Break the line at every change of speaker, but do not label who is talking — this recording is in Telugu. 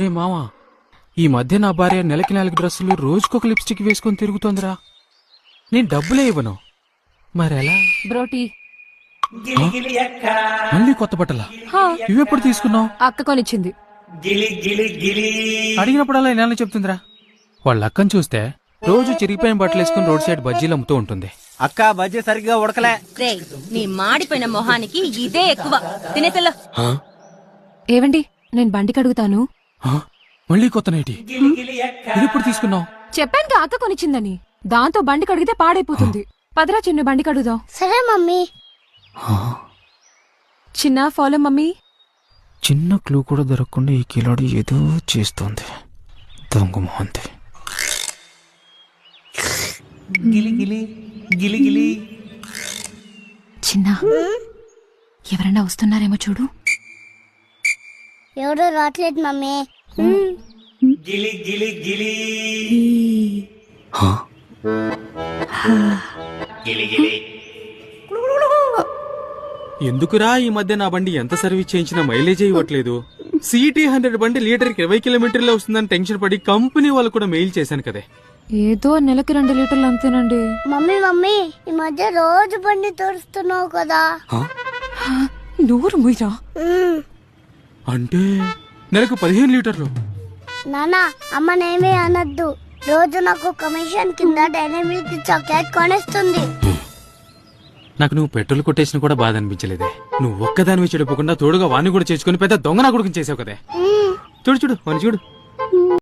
మావా, ఈ మధ్య నా భార్య నెలకి 4 డ్రెస్సులు రోజుకొక లిప్స్టిక్ వేసుకొని తిరుగుతోందిరా. నేను డబ్బులే ఇవ్వను, మరెలా?
బ్రోటీ
మళ్ళీ కొత్త బట్టలా? ఇవెప్పుడు తీసుకున్నావు?
అక్క కొనిచ్చింది.
అడిగినప్పుడల్లా ఇలా చెప్తుందిరా. వాళ్ళ అక్కని చూస్తే రోజు చిరిగిపోయిన బట్టలు వేసుకుని రోడ్ సైడ్ బజ్జీలు అమ్ముతూ ఉంటుంది.
అక్క బజ్జీ సరిగ్గా ఉడకలే.
నీ మాడిపోయిన మొహానికి ఇదే ఎక్కువ. తినేతల్లో
ఏవండి, నేను బండి కడుగుతాను.
మళ్ళీ కొత్త నైటి ఇదెప్పుడు తీసుకున్నావు?
చెప్పాను అక్క కొనిచ్చిందని. దాంతో బండి కడిగితే పాడైపోతుంది. పదరా చిన్న బండి కడుగుదాం.
సరే మమ్మీ.
చిన్న ఫాలో మమ్మీ.
చిన్న క్లూ కూడా దొరకకుండా ఈ కిలాడి ఏదో చేస్తోంది. దొంగ మొహంతి.
చిన్న, ఎవరన్నా వస్తున్నారేమో చూడు.
ఎవరు రావట్లేదు మమ్మీ.
ఎందుకురా ఈ మధ్య నా బండి ఎంత సర్వీస్ చేయించినా మైలేజ్ ఇవ్వట్లేదు? సిటీ 100 బండి లీటర్కి 20 కిలోమీటర్లే వస్తుందని టెన్షన్ పడి కంపెనీ వాళ్ళు కూడా మెయిల్ చేశాను కదే.
ఏదో నెలకి 2 లీటర్లు అంతేనండి.
మమ్మీ ఈ మధ్య రోజు బండి తోడుస్తున్నావు కదా.
నూరు ముయ్యా.
అంటే నెలకు 15 లీటర్లు.
నానా అమ్మనేమీ అనద్దు. రోజు నాకు కమిషన్ కింద డైరీ మిల్క్ చాక్లెట్ కొనిస్తుంది.
నాకు నువ్వు పెట్రోల్ కొట్టేసిన కూడా బాధ అనిపించలేదే. నువ్వు ఒక్కదానివి చెడిపోకుండా తోడుగా వాణ్ణి కూడా చేసుకుని పెద్ద దొంగ నా కొడుకుని చేసావు కదే. చూడు వాణ్ణి చూడు.